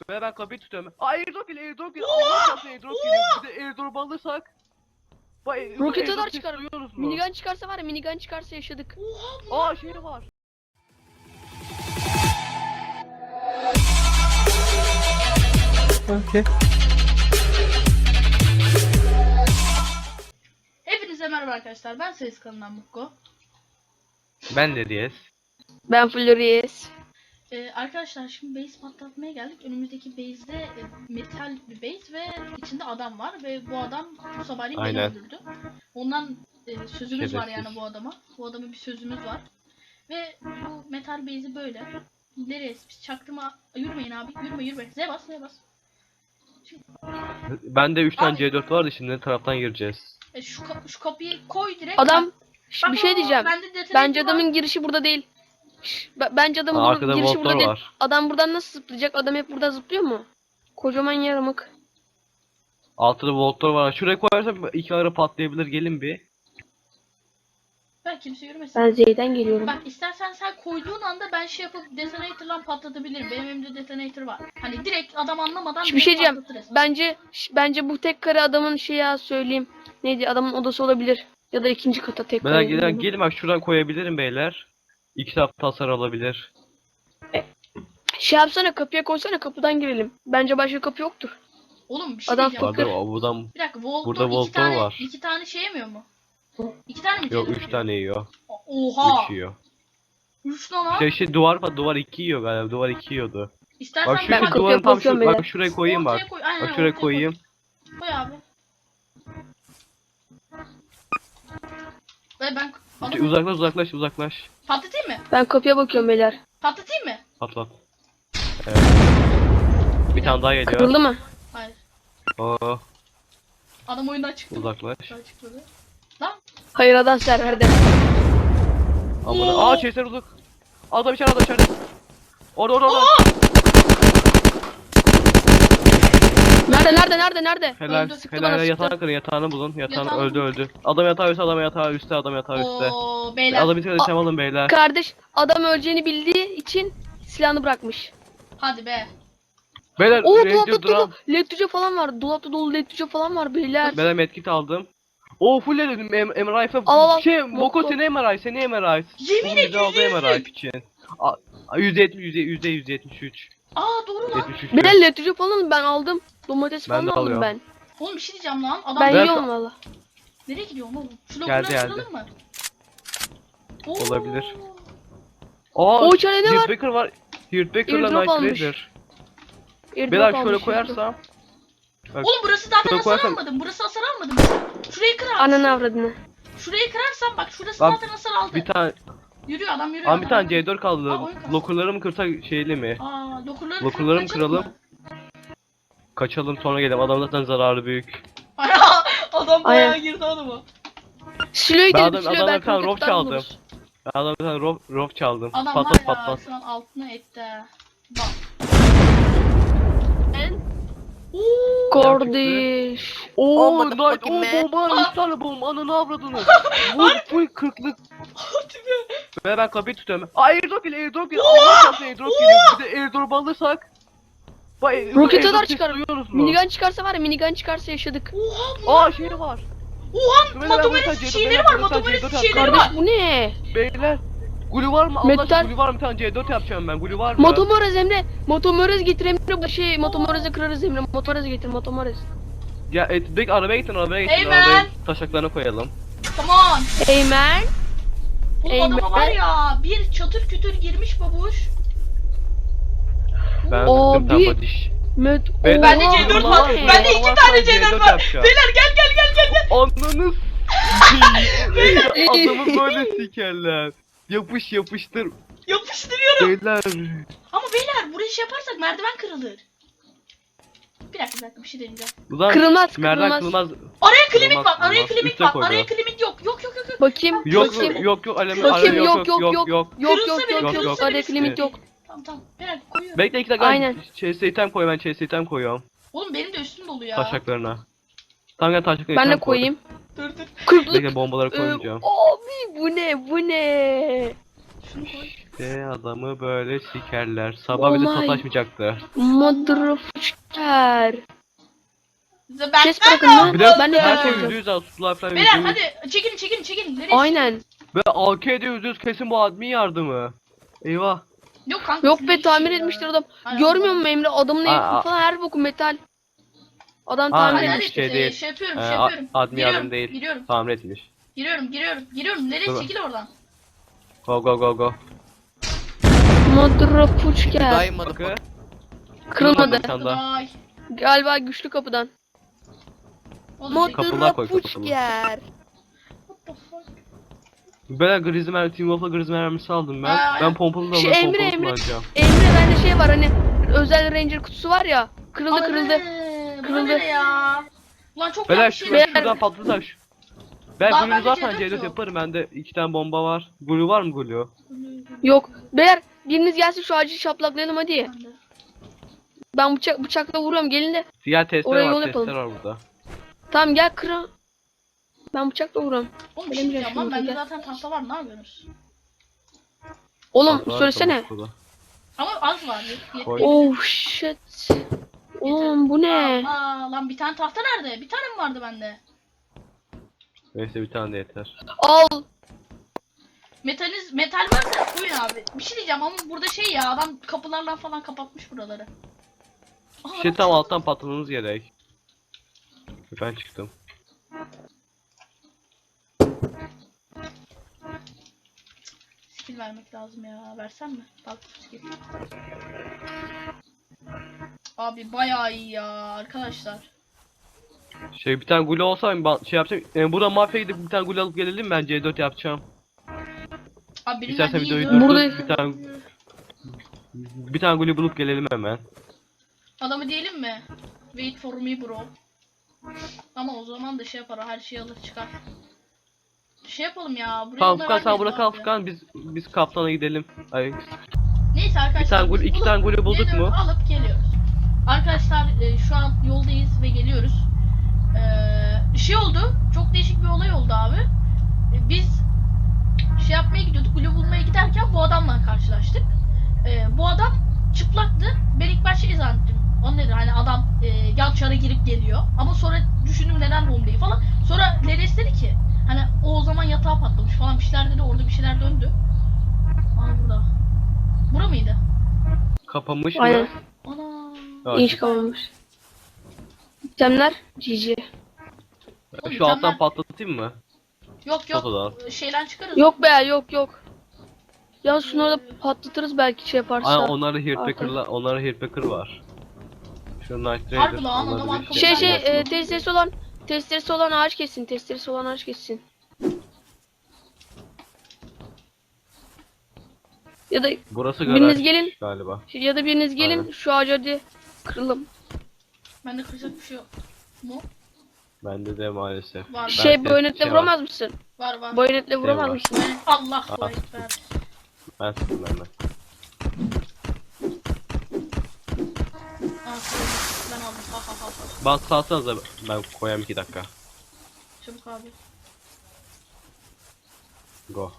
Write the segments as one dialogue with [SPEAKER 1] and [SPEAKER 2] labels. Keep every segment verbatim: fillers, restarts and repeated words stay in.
[SPEAKER 1] Ve ben kapıyı tutuyorum. Aa airdrop geliyor, airdrop geliyor. Allah çarpsın airdrop geliyor. Bir de airdrop alırsak. Bak,
[SPEAKER 2] Roket
[SPEAKER 1] airdrop
[SPEAKER 2] atar
[SPEAKER 1] sesi
[SPEAKER 2] çıkar.
[SPEAKER 1] duyuyorsunuz mu?
[SPEAKER 2] Minigun çıkarsa var ya, minigun çıkarsa yaşadık.
[SPEAKER 1] Aa şey var.
[SPEAKER 3] Okay.
[SPEAKER 4] Hepinize merhaba arkadaşlar. Ben Sayıs kanalından Mukko.
[SPEAKER 1] Ben de diyes.
[SPEAKER 2] Ben Flores.
[SPEAKER 4] Ee, arkadaşlar şimdi base patlatmaya geldik. Önümüzdeki base'de e, metal bir base ve içinde adam var ve bu adam bu sabahleyin beni
[SPEAKER 1] Aynen.
[SPEAKER 4] öldürdü. Ondan e, sözümüz var
[SPEAKER 1] Şerefsiz.
[SPEAKER 4] yani bu adama. Bu adama bir sözümüz var. Ve bu metal base'i böyle. Nereye? Biz çaktırma. Yürümeyin abi. Yürüme yürüme. Z bas Z bas.
[SPEAKER 1] Bende üç tane
[SPEAKER 4] Abi.
[SPEAKER 1] C dört vardı, şimdi ne taraftan gireceğiz?
[SPEAKER 4] E, şu, ka- şu kapıyı koy direkt.
[SPEAKER 2] Adam
[SPEAKER 4] Bak,
[SPEAKER 2] bir şey
[SPEAKER 4] bak,
[SPEAKER 2] diyeceğim.
[SPEAKER 4] bende detonator
[SPEAKER 2] Bence
[SPEAKER 4] var.
[SPEAKER 2] adamın girişi burada değil. Şş, be- Bence adamın
[SPEAKER 1] Aa,
[SPEAKER 2] bur-
[SPEAKER 1] arkada
[SPEAKER 2] girişi burada
[SPEAKER 1] voltlar
[SPEAKER 2] değil.
[SPEAKER 1] var.
[SPEAKER 2] Adam buradan nasıl zıplayacak? Adam hep buradan zıplıyor mu? Kocaman yaramık.
[SPEAKER 1] Altıda voltlar var. Şuraya koyarsam iki ara patlayabilir, gelin bir.
[SPEAKER 4] Ben kimse yürümesin.
[SPEAKER 2] Ben Z'den geliyorum.
[SPEAKER 4] Bak istersen sen koyduğun anda ben şey yapıp detonator'la patlatabilirim. Benim elimde detonator var. Hani direkt adam anlamadan
[SPEAKER 2] Bir
[SPEAKER 4] direkt
[SPEAKER 2] şey diyeceğim.
[SPEAKER 4] patlatırız.
[SPEAKER 2] Bence ş- bence bu tek kare adamın şey ya söyleyeyim. Neydi? Adamın odası olabilir. Ya da ikinci kata tek
[SPEAKER 1] Beyler
[SPEAKER 2] kare.
[SPEAKER 1] gelin,
[SPEAKER 2] bilmiyorum.
[SPEAKER 1] gelin bak şuradan koyabilirim beyler. İki taraf hasar alabilir.
[SPEAKER 2] Şey yapsana, kapıya koysana, kapıdan girelim. Bence başka kapı yoktur.
[SPEAKER 4] Oğlum bir şey
[SPEAKER 2] Adam
[SPEAKER 4] diyeceğim.
[SPEAKER 2] Bakır.
[SPEAKER 1] Vardı buradan.
[SPEAKER 4] Bir dakika Volt'un
[SPEAKER 1] Burada
[SPEAKER 4] iki
[SPEAKER 1] Volt'un
[SPEAKER 4] tane,
[SPEAKER 1] var.
[SPEAKER 4] iki tane şey yemiyor mu? İki tane mi?
[SPEAKER 1] Yok
[SPEAKER 4] C dört
[SPEAKER 1] üç
[SPEAKER 4] yiyor?
[SPEAKER 1] tane yiyor.
[SPEAKER 4] Oha!
[SPEAKER 1] Üç yiyor.
[SPEAKER 4] Üç lan ha?
[SPEAKER 1] Şey şey duvar var, duvar iki yiyor galiba. Duvar iki yiyordu.
[SPEAKER 4] İstersen
[SPEAKER 1] Bak şu
[SPEAKER 2] Ben
[SPEAKER 1] şu
[SPEAKER 2] kapıya
[SPEAKER 1] duvarın tam
[SPEAKER 2] bakıyorum
[SPEAKER 1] şu, bak
[SPEAKER 2] beyler.
[SPEAKER 1] şuraya koyayım bak.
[SPEAKER 4] Ortaya koy. Aynen,
[SPEAKER 1] Bak
[SPEAKER 4] ortaya
[SPEAKER 1] şuraya
[SPEAKER 4] koy.
[SPEAKER 1] koyayım.
[SPEAKER 4] Koy abi. Ve ben
[SPEAKER 1] Şey,
[SPEAKER 4] adamı
[SPEAKER 1] uzaklaş uzaklaş uzaklaş.
[SPEAKER 4] patlatayım mı?
[SPEAKER 2] Ben kapıya bakıyorum beyler.
[SPEAKER 4] Patlatayım mı?
[SPEAKER 1] Patlat. Evet. Bir tane daha geliyor.
[SPEAKER 2] Kırıldı mı?
[SPEAKER 4] Hayır.
[SPEAKER 1] Oo,
[SPEAKER 4] Adam oyundan çıktı.
[SPEAKER 1] uzaklaş.
[SPEAKER 4] Oyundan çıktı. Lan.
[SPEAKER 2] Hayır, adam serverde.
[SPEAKER 1] Amına.
[SPEAKER 4] Oo.
[SPEAKER 1] Aa chaser uzak. Adam içeride, adam içeride. Orada orada orada.
[SPEAKER 2] Nerede nerede nerede nerede?
[SPEAKER 1] Helal.
[SPEAKER 4] Öldü,
[SPEAKER 2] sıktı
[SPEAKER 1] Helal
[SPEAKER 2] bana,
[SPEAKER 1] helal,
[SPEAKER 2] sıktı.
[SPEAKER 1] yatağını kırın, yatağını bulun. Yatağını
[SPEAKER 4] Yatağını
[SPEAKER 1] öldü
[SPEAKER 4] bulun.
[SPEAKER 1] öldü. Adam yatağı üstte, adam yatağı üstte, adam yatağı üstte.
[SPEAKER 4] Oo beyler.
[SPEAKER 1] Adam içeride şey alın beyler.
[SPEAKER 2] Kardeş, adam öleceğini bildiği için silahını bırakmış.
[SPEAKER 4] Hadi be.
[SPEAKER 1] Beyler
[SPEAKER 2] Oo,
[SPEAKER 1] radio
[SPEAKER 2] dolapta
[SPEAKER 1] drum.
[SPEAKER 2] dolu led tüce falan var. Dolapta dolu led tüce falan var beyler.
[SPEAKER 1] Beyler medkit aldım. Oo full dedim M R I
[SPEAKER 2] Al, al.
[SPEAKER 1] şey Moko
[SPEAKER 2] Moko.
[SPEAKER 1] seni M R I, seni M R I.
[SPEAKER 4] Yemin
[SPEAKER 1] Oğlum, bizi aldı
[SPEAKER 4] ediyorum.
[SPEAKER 1] M R I için. A- yüzde yetmiş yüzde yüzde yüzde yetmiş üç.
[SPEAKER 4] Aa doğru lan.
[SPEAKER 1] yetmiş üç.
[SPEAKER 2] Beyler led tüce falan ben aldım. Domates
[SPEAKER 1] Ben
[SPEAKER 2] falan
[SPEAKER 1] de
[SPEAKER 2] aldım
[SPEAKER 1] alıyorum.
[SPEAKER 2] ben.
[SPEAKER 4] Oğlum bir şey diyeceğim lan. Adam
[SPEAKER 2] Ben
[SPEAKER 1] Ben-
[SPEAKER 2] yiyorum valla.
[SPEAKER 4] nereye gidiyorsun oğlum? Şu
[SPEAKER 1] Geldi,
[SPEAKER 4] lokumları
[SPEAKER 1] geldi.
[SPEAKER 4] kıralım mı? Oo.
[SPEAKER 1] Olabilir. Aa,
[SPEAKER 2] O içeride ne var?
[SPEAKER 1] Hurtbaker var. Hurtbaker'la
[SPEAKER 2] Airdrop
[SPEAKER 1] Night
[SPEAKER 2] almış.
[SPEAKER 1] Raider.
[SPEAKER 2] Airdrop
[SPEAKER 1] Beyler şöyle
[SPEAKER 2] almış,
[SPEAKER 1] koyarsam. Bak,
[SPEAKER 4] Oğlum burası zaten
[SPEAKER 1] şöyle
[SPEAKER 4] hasar
[SPEAKER 1] koyarsam-
[SPEAKER 4] almadım. Burası hasar almadım. Şurayı kır abi.
[SPEAKER 2] Ananı avradını.
[SPEAKER 4] Şurayı kırarsan bak şurası
[SPEAKER 1] Lan,
[SPEAKER 4] zaten hasar aldı.
[SPEAKER 1] bir tane,
[SPEAKER 4] Yürüyor adam yürüyor.
[SPEAKER 1] ama
[SPEAKER 4] adam
[SPEAKER 1] bir tane
[SPEAKER 4] yürüyor.
[SPEAKER 1] C dört kaldı.
[SPEAKER 4] Aa, oyun kastı.
[SPEAKER 1] Lokurları mı kırsak şeyli mi?
[SPEAKER 4] Aa lokurları
[SPEAKER 1] Lokurları mı
[SPEAKER 4] kaçalım
[SPEAKER 1] kıralım?
[SPEAKER 4] mı?
[SPEAKER 1] Kaçalım sonra gelelim. Adam zaten zararı büyük.
[SPEAKER 4] Adam bayağı
[SPEAKER 2] Aynen.
[SPEAKER 4] girdi adama.
[SPEAKER 2] Silo'yu
[SPEAKER 1] Ben
[SPEAKER 2] delip
[SPEAKER 1] adam-
[SPEAKER 2] Silo'yu
[SPEAKER 1] adamdan
[SPEAKER 2] belki
[SPEAKER 1] bir tane
[SPEAKER 2] roket
[SPEAKER 1] rof
[SPEAKER 2] tutar
[SPEAKER 1] çaldım.
[SPEAKER 2] buluruz.
[SPEAKER 1] Ben adamdan bir tane rof, rof çaldım.
[SPEAKER 4] Adam
[SPEAKER 1] Patlat
[SPEAKER 4] var ya
[SPEAKER 1] patlat.
[SPEAKER 4] şu an altına etti. Bak.
[SPEAKER 2] Ben kardeş.
[SPEAKER 1] Oo
[SPEAKER 3] Oh,
[SPEAKER 1] night,
[SPEAKER 3] motherfucking
[SPEAKER 1] o
[SPEAKER 3] man.
[SPEAKER 1] bomba üç tane bomba, ananı avradını. Vur full kırklık. Ve ben kapıyı tutuyorum. Aa airdrop geliyor, airdrop geliyor. Allah çarpsın airdrop geliyor. Bir de airdrop alırsak. Bak,
[SPEAKER 2] Roket
[SPEAKER 1] airdrop
[SPEAKER 2] atar
[SPEAKER 1] sesi
[SPEAKER 2] çıkar.
[SPEAKER 1] duyuyorsunuz mu?
[SPEAKER 2] Minigun çıkarsa var ya, minigun çıkarsa yaşadık.
[SPEAKER 4] Oha
[SPEAKER 1] Aa şey var.
[SPEAKER 4] Oha
[SPEAKER 1] Beyler, ben
[SPEAKER 4] Matomeres
[SPEAKER 1] bu yüzden
[SPEAKER 4] şeyleri
[SPEAKER 1] C dört,
[SPEAKER 4] var
[SPEAKER 1] ben bu yüzden
[SPEAKER 4] Matomeres
[SPEAKER 1] C dört
[SPEAKER 4] şeyleri
[SPEAKER 1] yapacağım.
[SPEAKER 4] var.
[SPEAKER 2] Kardeş bu ne?
[SPEAKER 1] Beyler. Gulu var mı? Allah
[SPEAKER 2] Metal-
[SPEAKER 1] aşkına gulu var mı? Bir tane C dört yapacağım ben. Gulu var mı?
[SPEAKER 2] Motomorez Emre. Motomorez getir Emre. Şey Motomorez'e kırarız Emre. Motomorez getir Motomorez.
[SPEAKER 1] Ya et, direkt arabaya gittin, arabaya gittin.
[SPEAKER 4] Hey man.
[SPEAKER 1] Arabaya taşaklarına koyalım.
[SPEAKER 4] Come on.
[SPEAKER 2] Hey man.
[SPEAKER 4] Oğlum adama
[SPEAKER 2] Eymen.
[SPEAKER 4] var ya bir çatır kütür girmiş babuş.
[SPEAKER 1] Ben
[SPEAKER 2] Abi.
[SPEAKER 1] sıktım tam badiş.
[SPEAKER 2] Met.
[SPEAKER 1] Beyler,
[SPEAKER 4] Bende
[SPEAKER 2] Oha,
[SPEAKER 4] C dört
[SPEAKER 2] bu
[SPEAKER 4] var.
[SPEAKER 2] ne?
[SPEAKER 4] Bende iki
[SPEAKER 1] Allah
[SPEAKER 4] tane
[SPEAKER 1] aşkına
[SPEAKER 4] C dört
[SPEAKER 1] C dört
[SPEAKER 4] var.
[SPEAKER 1] yapacağım.
[SPEAKER 4] Beyler gel gel gel gel gel.
[SPEAKER 1] Ananız. Adamı böyle sikerler. Yapış yapıştır.
[SPEAKER 4] Yapıştırıyorum.
[SPEAKER 1] Beyler.
[SPEAKER 4] Ama beyler burayı şey yaparsak merdiven kırılır. Bir dakika bir dakika bir şey deneyeceğim.
[SPEAKER 1] Ulan
[SPEAKER 2] Kırılmaz,
[SPEAKER 1] merdiven
[SPEAKER 2] kırılmaz.
[SPEAKER 1] kırılmaz.
[SPEAKER 4] Araya klimik
[SPEAKER 1] Kırılmaz,
[SPEAKER 4] var. Araya
[SPEAKER 1] kırılmaz.
[SPEAKER 4] klimik
[SPEAKER 1] Üste
[SPEAKER 4] var.
[SPEAKER 1] koydu.
[SPEAKER 4] Araya klimik yok. Yok yok yok yok.
[SPEAKER 2] Bakayım.
[SPEAKER 1] Yok
[SPEAKER 2] bakayım.
[SPEAKER 1] yok yok alemi
[SPEAKER 2] Bakayım
[SPEAKER 1] araya
[SPEAKER 2] yok yok yok yok.
[SPEAKER 1] yok.
[SPEAKER 2] Yok
[SPEAKER 4] Kırılsa
[SPEAKER 2] yok
[SPEAKER 4] bile,
[SPEAKER 2] yok yok.
[SPEAKER 4] kırılsa
[SPEAKER 2] Araya
[SPEAKER 4] bile
[SPEAKER 2] limit
[SPEAKER 4] sıkıntı
[SPEAKER 2] yok.
[SPEAKER 4] Tamam tamam. Beyler koyuyorum.
[SPEAKER 1] Bekle iki dakika.
[SPEAKER 2] Aynen.
[SPEAKER 1] Chase item koy, ben chase item koyuyorum.
[SPEAKER 4] Oğlum benim de üstüm dolu ya.
[SPEAKER 1] Taşaklarına. Tamam gel taşaklarına
[SPEAKER 2] Ben de
[SPEAKER 1] item koy.
[SPEAKER 2] koyayım.
[SPEAKER 4] Dur dur.
[SPEAKER 2] Kırklık.
[SPEAKER 1] Bekle bombaları
[SPEAKER 2] Ee,
[SPEAKER 1] koymayacağım.
[SPEAKER 2] abi bu ne bu ne?
[SPEAKER 4] Şunu koy.
[SPEAKER 1] İşte adamı böyle sikerler. Sabah bir de
[SPEAKER 2] Oh my.
[SPEAKER 1] sataşmayacaktı.
[SPEAKER 2] Motherfucker.
[SPEAKER 4] Ben,
[SPEAKER 2] Ses bırakın
[SPEAKER 4] ben
[SPEAKER 2] lan.
[SPEAKER 1] Bir de
[SPEAKER 2] Ben de
[SPEAKER 1] her
[SPEAKER 2] ses
[SPEAKER 1] şey
[SPEAKER 2] yapacağım.
[SPEAKER 1] yüzde yüz al. Sular falan
[SPEAKER 4] Beyler
[SPEAKER 1] yüzde yüz.
[SPEAKER 4] hadi çekin çekin çekin. Nereye?
[SPEAKER 2] Aynen.
[SPEAKER 1] Ve A K'de yüzde yüz kesin bu admin yardımı. Eyvah.
[SPEAKER 4] Yok kanka.
[SPEAKER 2] Yok
[SPEAKER 4] siz
[SPEAKER 2] be
[SPEAKER 4] ne
[SPEAKER 2] tamir
[SPEAKER 4] işi ya?
[SPEAKER 2] etmiştir adam.
[SPEAKER 4] Ay,
[SPEAKER 2] Görmüyor
[SPEAKER 4] Allah.
[SPEAKER 2] musun Emre? Adamın
[SPEAKER 1] Aa, aa.
[SPEAKER 2] evi falan her boku metal. Adam
[SPEAKER 1] Aa,
[SPEAKER 2] tamir
[SPEAKER 4] Hadi
[SPEAKER 1] Aynen,
[SPEAKER 4] hadi
[SPEAKER 2] etmiş.
[SPEAKER 1] şey
[SPEAKER 4] şey,
[SPEAKER 1] değil.
[SPEAKER 4] şey yapıyorum
[SPEAKER 1] Ee,
[SPEAKER 4] şey
[SPEAKER 1] a-
[SPEAKER 4] yapıyorum.
[SPEAKER 1] admin
[SPEAKER 4] giriyorum,
[SPEAKER 1] yardım değil.
[SPEAKER 4] Giriyorum.
[SPEAKER 1] Tamir etmiş.
[SPEAKER 4] Giriyorum giriyorum giriyorum. Nereye
[SPEAKER 1] Dur.
[SPEAKER 4] çekil oradan.
[SPEAKER 1] Go go go go.
[SPEAKER 2] Motherfucker.
[SPEAKER 3] Daymadı.
[SPEAKER 1] Bakı.
[SPEAKER 2] Kırılmadı.
[SPEAKER 1] Bir tane daha.
[SPEAKER 4] Ay.
[SPEAKER 2] Galiba güçlü kapıdan.
[SPEAKER 4] Oğlum, şey-
[SPEAKER 1] Kapılar koy, kapılar.
[SPEAKER 2] Motherfucker.
[SPEAKER 4] What the fuck?
[SPEAKER 1] Ben grizli mermi, Team Wolf'la grizli mermisi aldım ben.
[SPEAKER 4] Aa,
[SPEAKER 1] Ben pompalı da
[SPEAKER 2] Şey,
[SPEAKER 1] alıp
[SPEAKER 2] Emre,
[SPEAKER 1] pompalı
[SPEAKER 2] Emre.
[SPEAKER 1] kullanacağım.
[SPEAKER 2] Emre bende şey var hani özel ranger kutusu var ya. Kırıldı
[SPEAKER 4] Ananı,
[SPEAKER 2] kırıldı.
[SPEAKER 4] bu
[SPEAKER 2] Kırıldı.
[SPEAKER 4] ne ya? Ulan çok
[SPEAKER 1] Beyler
[SPEAKER 4] yanlış
[SPEAKER 1] şu,
[SPEAKER 4] şey
[SPEAKER 2] Beyler-
[SPEAKER 1] şuradan patlatak şu. Ben
[SPEAKER 4] Daha
[SPEAKER 1] glue
[SPEAKER 4] bende
[SPEAKER 1] zaten
[SPEAKER 4] C dört
[SPEAKER 1] C dört
[SPEAKER 4] yok.
[SPEAKER 1] yaparım. Bende iki tane bomba var. Glue var mı glue?
[SPEAKER 2] Yok. Beyler biriniz gelsin şu ağacı şaplaklayalım hadi. Ben bıçak bıçakla vuruyorum gelin de.
[SPEAKER 1] Diğer testler
[SPEAKER 2] Oraya
[SPEAKER 1] var,
[SPEAKER 2] yol
[SPEAKER 1] testler
[SPEAKER 2] yapalım.
[SPEAKER 1] var burada.
[SPEAKER 2] Tamam gel kıra. Ben bıçakla vuruyorum.
[SPEAKER 4] Oğlum bir şey
[SPEAKER 2] Benim
[SPEAKER 4] diyeceğim lan
[SPEAKER 2] yaşımda
[SPEAKER 4] bende
[SPEAKER 2] gel.
[SPEAKER 4] zaten tahta var ne yapıyorsunuz?
[SPEAKER 2] Oğlum
[SPEAKER 1] Bak, var,
[SPEAKER 2] söylesene.
[SPEAKER 1] çabuk burada.
[SPEAKER 4] Ama az var. Yet, yet,
[SPEAKER 1] Koy.
[SPEAKER 2] Oh shit. Oğlum bu ne?
[SPEAKER 4] Aa, lan bir tane tahta nerede? Bir tane mi vardı bende?
[SPEAKER 1] Neyse bir tane de yeter.
[SPEAKER 2] Al.
[SPEAKER 4] Metaliz, metal varsa koyun abi. Bir şey diyeceğim ama burada şey ya adam kapılarla falan kapatmış buraları. Aa,
[SPEAKER 1] İşte tam alttan patlamanız gerek. Ben çıktım.
[SPEAKER 4] skill vermek lazım ya. Versem mi? Bak skill. Abi bayağı iyi ya arkadaşlar.
[SPEAKER 1] Şey bir tane glue olsa ben şey yapacağım. E, burada mafya gidip bir tane glue alıp gelelim, ben C dört yapacağım.
[SPEAKER 4] Abi birinden
[SPEAKER 1] İstersen
[SPEAKER 4] iyi
[SPEAKER 1] videoyu
[SPEAKER 4] diyorum.
[SPEAKER 1] durdur,
[SPEAKER 2] Burada-
[SPEAKER 1] bir tane bir tane glue bulup gelelim hemen.
[SPEAKER 4] Adamı diyelim mi? Wait for me bro. Ama o zaman da şey yapar her şeyi alır çıkar. Şey yapalım ya. Buraya
[SPEAKER 1] Tamam
[SPEAKER 4] bunlar
[SPEAKER 1] Furkan sen
[SPEAKER 4] vermeyiz
[SPEAKER 1] burada kal
[SPEAKER 4] abi.
[SPEAKER 1] Furkan, biz biz kaptana gidelim. Ay,
[SPEAKER 4] Neyse arkadaşlar.
[SPEAKER 1] Bir tane gol-
[SPEAKER 4] biz
[SPEAKER 1] iki
[SPEAKER 4] bulup
[SPEAKER 1] tane golü bulduk
[SPEAKER 4] C dört
[SPEAKER 1] mu?
[SPEAKER 4] Alıp geliyoruz. Arkadaşlar e, şu an yoldayız ve geliyoruz. Ee, şey oldu. Çok değişik bir olay oldu abi. E, biz şey yapmaya gidiyorduk. Gülü bulmaya giderken bu adamla karşılaştık. E, bu adam çıplaktı. Ben ilk başta şey zannettim. O nedir hani adam e, yan çara girip geliyor. Ama sonra düşündüm neden bombayı falan. Sonra Leres dedi ki hani o o zaman yatağa patlamış falan bir şeyler dedi. Orada bir şeyler döndü. Aa burada. Bura mıydı?
[SPEAKER 1] kapanmış
[SPEAKER 2] Aynen.
[SPEAKER 1] mı?
[SPEAKER 4] Ana.
[SPEAKER 1] Ya,
[SPEAKER 2] İnş
[SPEAKER 1] şu-
[SPEAKER 2] kalmamış. İtemler G G.
[SPEAKER 4] Oğlum,
[SPEAKER 1] Şu alttan
[SPEAKER 4] mükemmel.
[SPEAKER 1] patlatayım mı?
[SPEAKER 4] Yok yok.
[SPEAKER 1] Fotodan.
[SPEAKER 4] Şeyden çıkarız.
[SPEAKER 2] Yok be yok yok. Ya şunu orada patlatırız belki şey yaparsa.
[SPEAKER 1] Aa, onlarda Heartbreaker'la, onlarda Heartbreaker var. Şu Night Raider.
[SPEAKER 4] Harbi lan,
[SPEAKER 1] onlarda
[SPEAKER 4] adam
[SPEAKER 1] bir
[SPEAKER 4] arkamda.
[SPEAKER 2] Şey şey
[SPEAKER 1] yapmasın.
[SPEAKER 2] e, testeresi olan testeresi olan ağaç kessin. Testeresi olan ağaç kessin. Ya da
[SPEAKER 1] Burası
[SPEAKER 2] biriniz
[SPEAKER 1] garaj
[SPEAKER 2] gelin.
[SPEAKER 1] galiba.
[SPEAKER 2] ya da biriniz gelin
[SPEAKER 1] Aynen.
[SPEAKER 2] şu ağacı hadi kıralım.
[SPEAKER 4] Bende kıracak bir şey yok. Mu?
[SPEAKER 1] Bende de maalesef.
[SPEAKER 4] Var.
[SPEAKER 2] Şey
[SPEAKER 1] Ben-
[SPEAKER 2] bayonetle
[SPEAKER 1] şey var.
[SPEAKER 2] vuramaz mısın?
[SPEAKER 4] Var var.
[SPEAKER 2] Bayonetle vuramaz
[SPEAKER 1] var.
[SPEAKER 2] mısın?
[SPEAKER 4] Ben- Allah
[SPEAKER 1] Aa.
[SPEAKER 4] bu ekber.
[SPEAKER 1] Ben sıktım benden.
[SPEAKER 4] Aa, koydum. Ben aldım. Ha ha ha ha.
[SPEAKER 1] Bant salsanıza, ben koyayım iki dakika.
[SPEAKER 4] Çabuk abi.
[SPEAKER 1] Go.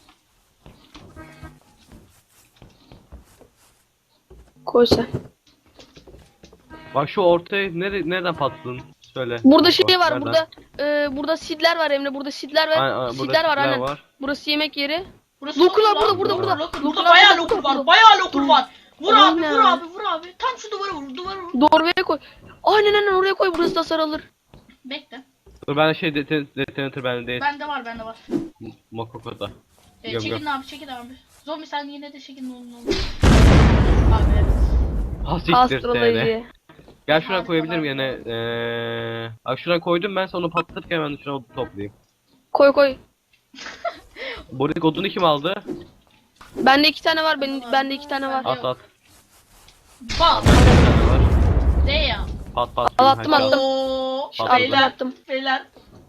[SPEAKER 2] Koy sen.
[SPEAKER 1] Bak şu ortaya nere nereden patladın? Söyle.
[SPEAKER 2] Burada
[SPEAKER 1] Bak,
[SPEAKER 2] şey var
[SPEAKER 1] nereden?
[SPEAKER 2] burada e, burada sidler var Emre burada sidler var.
[SPEAKER 1] Aynen, aynen, burada
[SPEAKER 2] sidler var
[SPEAKER 1] sidler
[SPEAKER 2] aynen.
[SPEAKER 1] var.
[SPEAKER 2] Burası yemek yeri.
[SPEAKER 4] Burası
[SPEAKER 2] Lokurlar
[SPEAKER 4] lokur lan.
[SPEAKER 2] burada,
[SPEAKER 1] burada,
[SPEAKER 4] Lokur,
[SPEAKER 2] burada.
[SPEAKER 4] lokur.
[SPEAKER 2] Lokurlar
[SPEAKER 4] Burada bayağı
[SPEAKER 2] burada,
[SPEAKER 4] lokur
[SPEAKER 2] burada.
[SPEAKER 4] var. Bayağı lokur var. Vur abi
[SPEAKER 2] Aynen.
[SPEAKER 4] vur abi vur abi. Tam şu duvara vur duvara vur.
[SPEAKER 2] Doğruya koy. Aynen aynen oraya koy burası da sarılır.
[SPEAKER 4] Bekle.
[SPEAKER 1] Dur ben şey deten detonator bende değil.
[SPEAKER 4] Bende var bende var.
[SPEAKER 1] Mokoko'da.
[SPEAKER 4] E,
[SPEAKER 1] Göm,
[SPEAKER 4] çekin
[SPEAKER 1] göm.
[SPEAKER 4] abi çekin abi. Zombi sen yine de çekin ne olur ne olur. Abi evet.
[SPEAKER 1] Ha siktir seni.
[SPEAKER 2] Astroloji.
[SPEAKER 1] Gel şuna
[SPEAKER 4] Harika,
[SPEAKER 1] koyabilirim
[SPEAKER 4] harika.
[SPEAKER 1] yine. Eee, bak şuna koydum, ben sonra patlatırken ben de şuna odun toplayayım.
[SPEAKER 2] Koy koy.
[SPEAKER 1] Buradaki odunu kim aldı?
[SPEAKER 2] Bende iki tane var. Benim bende iki tane var.
[SPEAKER 1] At at.
[SPEAKER 4] Bam.
[SPEAKER 1] Bir tane var.
[SPEAKER 4] De ya.
[SPEAKER 1] Pat pat.
[SPEAKER 2] Al, attım,
[SPEAKER 1] Hadi al.
[SPEAKER 2] attım.
[SPEAKER 4] Oo.
[SPEAKER 1] Attım,
[SPEAKER 4] Beyler.
[SPEAKER 2] attım.
[SPEAKER 4] Beyler.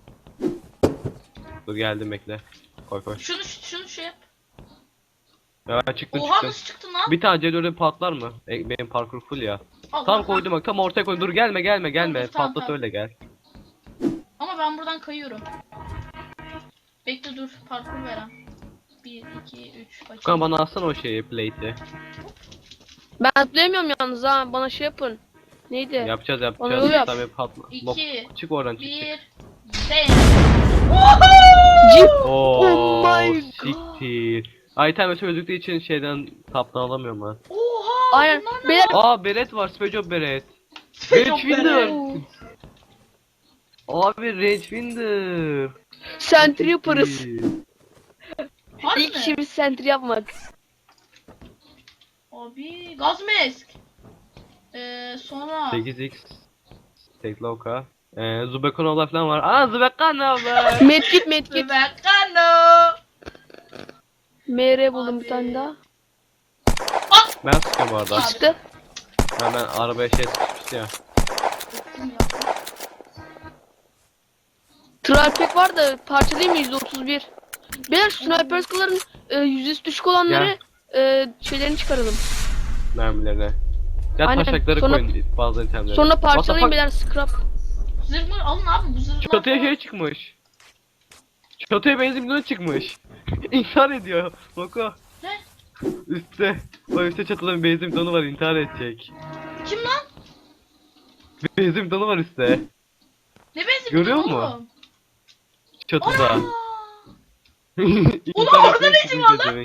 [SPEAKER 1] Dur geldim, bekle. Koy koy.
[SPEAKER 4] Şunu şunu şey yap.
[SPEAKER 1] Ya ben çıktım
[SPEAKER 4] Oha
[SPEAKER 1] çıktım.
[SPEAKER 4] nasıl çıktın lan?
[SPEAKER 1] Bir tane C dört'e patlar mı? E, benim parkur full ya.
[SPEAKER 4] Allah
[SPEAKER 1] Tam
[SPEAKER 4] Allah.
[SPEAKER 1] koydum bak, tam ortaya koydum. Dur gelme gelme gelme.
[SPEAKER 4] Dur, dur, tamam,
[SPEAKER 1] Patlat
[SPEAKER 4] tamam.
[SPEAKER 1] öyle gel.
[SPEAKER 4] Ama ben buradan kayıyorum. Bekle dur parkur veren. bir, iki, üç.
[SPEAKER 1] Furkan bana alsana o şeyi, plate'i.
[SPEAKER 2] Ben atlayamıyorum yalnız ha. Bana şey yapın. Neydi?
[SPEAKER 1] Yapacağız
[SPEAKER 2] Bana
[SPEAKER 1] yapacağız.
[SPEAKER 2] yol yap.
[SPEAKER 1] Tabii patla.
[SPEAKER 4] İki,
[SPEAKER 1] Bok, çık oradan çık çık.
[SPEAKER 4] bir. Sen.
[SPEAKER 2] Cip.
[SPEAKER 1] Oo,
[SPEAKER 2] Oh my god.
[SPEAKER 1] siktir. Item ve çözdükleri için şeyden taptan alamıyorum ben.
[SPEAKER 4] Oha!
[SPEAKER 2] Aynen.
[SPEAKER 4] Bunlar ne?
[SPEAKER 2] Beyler
[SPEAKER 1] Aa beret var, Spejo beret.
[SPEAKER 4] Special
[SPEAKER 1] Range Winder.
[SPEAKER 2] Oo.
[SPEAKER 1] Abi Range Winder.
[SPEAKER 2] sentry yaparız.
[SPEAKER 4] Harbi
[SPEAKER 2] İlk
[SPEAKER 4] mi?
[SPEAKER 2] işimiz sentry yapmak.
[SPEAKER 4] Abi gaz mask. Ee, sonra
[SPEAKER 1] sekiz x. Tekloka. Ee, Zubekonova falan var. Aa Zubekonova.
[SPEAKER 2] Medkit medkit.
[SPEAKER 4] Mekano.
[SPEAKER 2] M R buldum
[SPEAKER 4] Abi.
[SPEAKER 2] bir tane daha.
[SPEAKER 1] Ben sıkıyorum bu arada.
[SPEAKER 4] Abi.
[SPEAKER 2] Çıktı.
[SPEAKER 1] Ben, ben arabaya şey sıkıştı ya.
[SPEAKER 2] Trial pack var da parçalayayım mı yüzde otuz bir? Beyler şu sniper skill'ların e, yüzdesi düşük olanları e, şeylerini çıkaralım.
[SPEAKER 1] Mermilerine. Ya
[SPEAKER 2] Aynen.
[SPEAKER 1] taşakları
[SPEAKER 2] Sonra-
[SPEAKER 1] koyun bazı itemlere.
[SPEAKER 2] Sonra
[SPEAKER 1] What the
[SPEAKER 2] parçalayayım
[SPEAKER 1] fuck?
[SPEAKER 2] beyler scrap.
[SPEAKER 4] Zırh mı? Alın abi bu zırhlar.
[SPEAKER 1] Çatıya
[SPEAKER 4] falan.
[SPEAKER 1] şey çıkmış. Çatıya benzin bidonu çıkmış. İntihar ediyor. Boko.
[SPEAKER 4] Ne?
[SPEAKER 1] Üstte. O üstte çatıda bir benzin bidonu var, intihar edecek.
[SPEAKER 4] Kim lan?
[SPEAKER 1] Bir benzin bidonu var üstte.
[SPEAKER 4] Ne benzin
[SPEAKER 1] Görüyor
[SPEAKER 4] bidonu
[SPEAKER 1] musun?
[SPEAKER 4] oğlum?
[SPEAKER 1] Çatıda.
[SPEAKER 4] Ana!
[SPEAKER 1] İntihar
[SPEAKER 4] orada
[SPEAKER 1] etmeye
[SPEAKER 4] ne işin var
[SPEAKER 1] çıkınca
[SPEAKER 4] lan?
[SPEAKER 1] demek.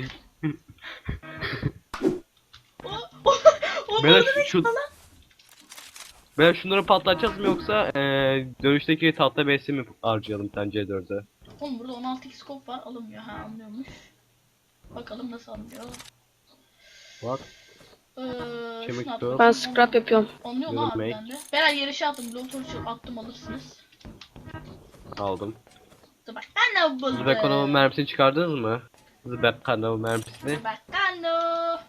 [SPEAKER 4] O, o, o
[SPEAKER 1] Beyler
[SPEAKER 4] orada ne
[SPEAKER 1] şu, şu...
[SPEAKER 4] lan?
[SPEAKER 1] Beyler şunları patlatacağız mı yoksa eee dönüşteki tahta besi mi harcayalım sen C dörde?
[SPEAKER 4] Oğlum burada on altı scope var alınmıyor ha anlıyormuş. Bakalım nasıl alınıyor.
[SPEAKER 1] Bak.
[SPEAKER 4] Ee,
[SPEAKER 1] Kemik
[SPEAKER 4] şunu at
[SPEAKER 1] dört.
[SPEAKER 2] Ben
[SPEAKER 4] bakayım,
[SPEAKER 2] scrap yapıyorum.
[SPEAKER 4] Anlıyor
[SPEAKER 1] Yellow
[SPEAKER 4] lan abi
[SPEAKER 1] make.
[SPEAKER 4] bende. Beyler yere şey attım, blowtorch attım alırsınız.
[SPEAKER 1] Aldım.
[SPEAKER 4] Dur bak ben ne buldum.
[SPEAKER 1] Zubekonova mermisini çıkardınız mı? Zubekonova mermisini.
[SPEAKER 4] Bacano.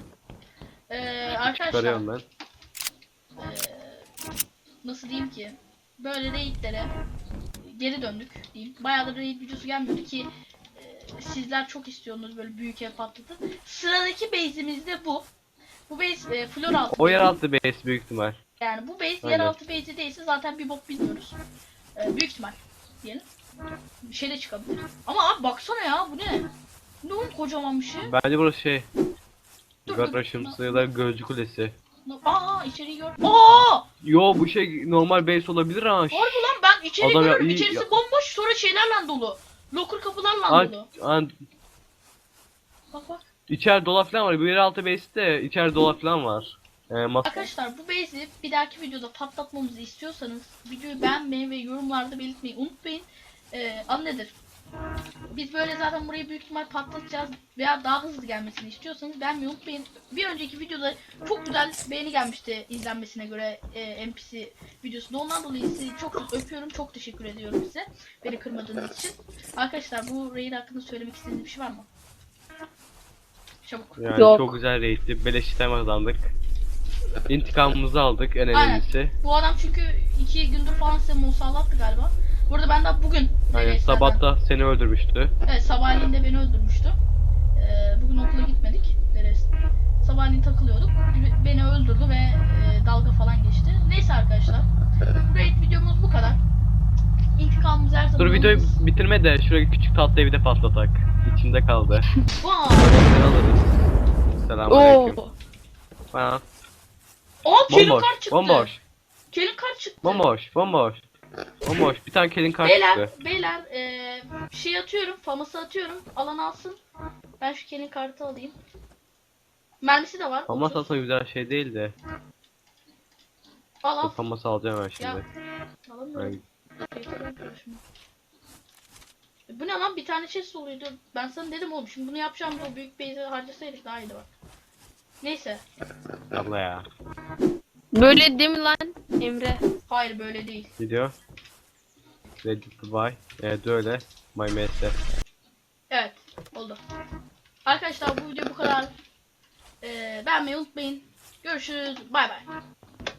[SPEAKER 4] Ee, arkadaşlar
[SPEAKER 1] Çıkarıyorum ben.
[SPEAKER 4] ee, nasıl diyeyim ki böyle raidlere geri döndük diyeyim. Bayağıdır raid videosu gelmiyordu ki ee, sizler çok istiyorsunuz böyle büyük ev patlatın. Sıradaki base'imiz de bu. Bu base e, floor altı.
[SPEAKER 1] O yeraltı base büyük ihtimal.
[SPEAKER 4] Yani bu base
[SPEAKER 1] Aynen.
[SPEAKER 4] yeraltı base'i değilse zaten bir bok bilmiyoruz. Ee, büyük ihtimal diyelim. Bir şey de çıkabilir. Ama abi baksana ya bu ne? Ne oğlum kocaman bir şey.
[SPEAKER 1] Bence burası şey.
[SPEAKER 4] Dur,
[SPEAKER 1] Yukarı
[SPEAKER 4] dur.
[SPEAKER 1] taşımsı ya da gözcü kulesi.
[SPEAKER 4] Aa içeriği gör. Aa!
[SPEAKER 1] Yo bu şey normal base olabilir ha.
[SPEAKER 4] Harbi lan ben içeri
[SPEAKER 1] Adam ya,
[SPEAKER 4] görüyorum.
[SPEAKER 1] iyi
[SPEAKER 4] İçerisi
[SPEAKER 1] ya.
[SPEAKER 4] bomboş sonra şeylerle dolu. Locker kapılarla
[SPEAKER 1] An,
[SPEAKER 4] dolu.
[SPEAKER 1] an,
[SPEAKER 4] Bak bak.
[SPEAKER 1] içer dolap falan var. Bu yeraltı base'te içer dolap falan var. Ee, mas
[SPEAKER 4] Arkadaşlar bu base'i bir dahaki videoda patlatmamızı istiyorsanız videoyu beğenmeyi ve yorumlarda belirtmeyi unutmayın. Ee, adı nedir? Biz böyle zaten burayı büyük ihtimal patlatacağız veya daha hızlı gelmesini istiyorsanız beğenmeyi unutmayın. Bir önceki videoda çok güzel beğeni gelmişti izlenmesine göre e, N P C videosunda. Ondan dolayı sizi çok çok öpüyorum. Çok teşekkür ediyorum size. Beni kırmadığınız için. Arkadaşlar bu raid hakkında söylemek istediğiniz bir şey var mı? Çabuk.
[SPEAKER 1] yani
[SPEAKER 2] Yok.
[SPEAKER 1] çok güzel raid'ti. Beleş item kazandık. İntikamımızı aldık en
[SPEAKER 4] Aynen.
[SPEAKER 1] önemlisi.
[SPEAKER 4] Bu adam çünkü iki gündür falan size musallattı galiba. Burada ben daha bugün
[SPEAKER 1] Aynen
[SPEAKER 4] raidlerden-
[SPEAKER 1] sabah da seni öldürmüştü.
[SPEAKER 4] Evet sabahleyin de beni öldürmüştü. Ee, bugün okula gitmedik. Neresi? Sabahleyin takılıyorduk. B- Beni öldürdü ve e, dalga falan geçti. Neyse arkadaşlar. Raid videomuz bu kadar. İntikamımız her zaman
[SPEAKER 1] Dur videoyu
[SPEAKER 4] alırız.
[SPEAKER 1] bitirme de şuraya küçük tatlı evi de patlatak. İçinde kaldı.
[SPEAKER 4] Vaa!
[SPEAKER 1] Ne alırız? Selamünaleyküm.
[SPEAKER 2] Oo.
[SPEAKER 1] Ha.
[SPEAKER 4] Aa kelin
[SPEAKER 1] Bomboş,
[SPEAKER 4] kart çıktı.
[SPEAKER 1] bomboş,
[SPEAKER 4] Kelin kart çıktı.
[SPEAKER 1] bomboş, bomboş. Bomboş. Bir tane kelin kart
[SPEAKER 4] Beyler,
[SPEAKER 1] çıktı.
[SPEAKER 4] beyler e, şey atıyorum, faması atıyorum. Alan alsın. Ben şu kelin kartı alayım. Mermisi de var.
[SPEAKER 1] Ama
[SPEAKER 4] otuz.
[SPEAKER 1] aslında güzel şey değil de.
[SPEAKER 4] Al al.
[SPEAKER 1] Faması alacağım ben
[SPEAKER 4] Ya.
[SPEAKER 1] şimdi.
[SPEAKER 4] Alamıyorum. Yeter karşıma. E, bu ne lan bir tane chest oluydu. Ben sana dedim oğlum şimdi bunu yapacağım o büyük base'e harcasaydık daha iyiydi bak. Neyse.
[SPEAKER 1] Abla ya.
[SPEAKER 2] Böyle değil mi lan Emre?
[SPEAKER 4] Hayır böyle değil.
[SPEAKER 1] Video. Ready to buy. Evet öyle. My messe.
[SPEAKER 4] Evet oldu. Arkadaşlar bu video bu kadar. Ee, beğenmeyi unutmayın. Görüşürüz. Bay bay.